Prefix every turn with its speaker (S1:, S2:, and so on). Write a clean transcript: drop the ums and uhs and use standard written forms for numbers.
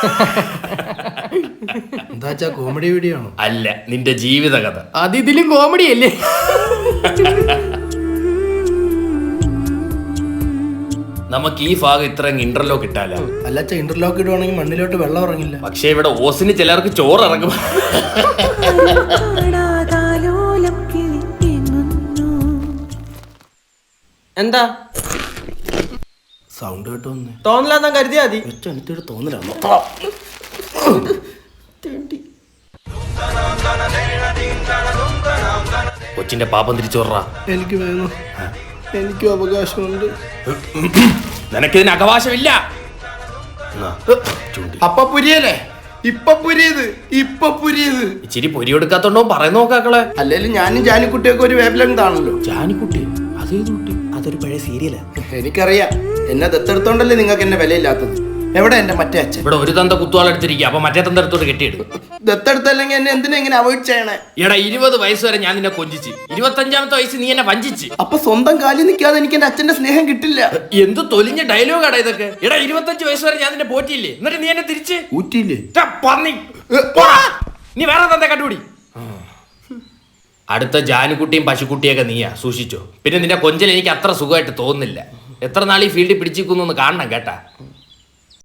S1: എന്താ comedy video ആണോ?
S2: അല്ല, നിന്റെ ജീവിത കഥ.
S1: അത് ഇതിലും കോമഡി അല്ലേ?
S2: നമുക്ക് ഈ ഭാഗം ഇത്രയും ഇന്റർലോക്ക് ഇട്ടാലോ?
S1: അല്ലച്ച, ഇന്റർലോക്ക് ഇടുവാണെങ്കിൽ മണ്ണിലോട്ട് വെള്ളം ഇറങ്ങില്ല.
S2: പക്ഷെ ഇവിടെ ഓസിന് ചിലർക്ക് ചോറ് ഇറങ്ങും.
S3: എന്താ
S1: സൗണ്ട് കേട്ടോ?
S3: തോന്നലാന്നാ കരുതിയാ മതി.
S1: എനിക്കൊരു തോന്നലാണോ?
S2: കൊച്ചിന്റെ പാപം തിരിച്ചോറാ.
S1: എനിക്ക് വേണം, എനിക്കും അവകാശമുണ്ട്.
S2: നിനക്കിതിന് അവകാശമില്ല.
S1: അപ്പൊ പുരിയല്ലേ? ഇപ്പൊ പുരിയത്
S2: ഇച്ചിരി പൊരി കൊടുക്കാത്തോണ്ടോ പറയുന്ന നോക്കാക്കളെ.
S1: അല്ലേലും ഞാനും ജാനിക്കുട്ടിയൊക്കെ ഒരു വേവ് ലെങ്ത് ആണല്ലോ.
S2: ജാനിക്കുട്ടി അതേത് കുട്ടി?
S3: അതൊരു പഴയ സീരിയലാ.
S1: എനിക്കറിയാം, എന്നെ ദത്തെടുത്തോണ്ടല്ലേ നിങ്ങൾക്ക് എന്നെ വിലയില്ലാത്തത്. എവിടെ എന്റെ മറ്റേ അച്ഛൻ?
S2: ഇവിടെ ഒരു തന്ത കുത്തുവാളെടുത്തിരിക്കുക, അപ്പൊ മറ്റേ തന്ത എടുത്തോട്ട് കെട്ടിയിടും.
S1: ദത്തെടുത്തല്ലെങ്കിൽ എന്നെ എന്തിനാ ഇങ്ങനെ അവോയ്ഡ് ചെയ്യണേ?
S2: എടാ, 20 വയസ്സ് വരെ ഞാൻ നിന്നെ കൊഞ്ചിച്ച്, 25ാമത്തെ വയസ്സ് നീ എന്നെ വഞ്ചിച്ച്.
S1: അപ്പൊ സ്വന്തം കാലിൽ നിൽക്കാതെ എനിക്ക് എന്റെ അച്ഛന്റെ സ്നേഹം കിട്ടില്ല.
S2: എന്ത് തൊലിഞ്ഞ ഡയലോഗാടാ ഇതൊക്കെ. എടാ, 25 വയസ്സ് വരെ ഞാൻ നിന്നെ പോറ്റിയില്ലേ, എന്നിട്ട് നീ എന്നെ തിരിച്ച്
S1: ഊറ്റിയില്ലേ?
S2: പന്നി. പോടാ, നീ വേറെ തന്ത കണ്ടുപിടി. അടുത്ത ജാനുക്കുട്ടിയും പശുക്കുട്ടിയൊക്കെ നീയാ, സൂക്ഷിച്ചോ. പിന്നെ നിന്റെ കൊഞ്ചൽ എനിക്ക് അത്ര സുഖമായിട്ട് തോന്നുന്നില്ല. എത്ര നാൾ ഈ ഫീൽഡിൽ പിടിച്ചിരിക്കുന്നു കാണണം കേട്ടാ.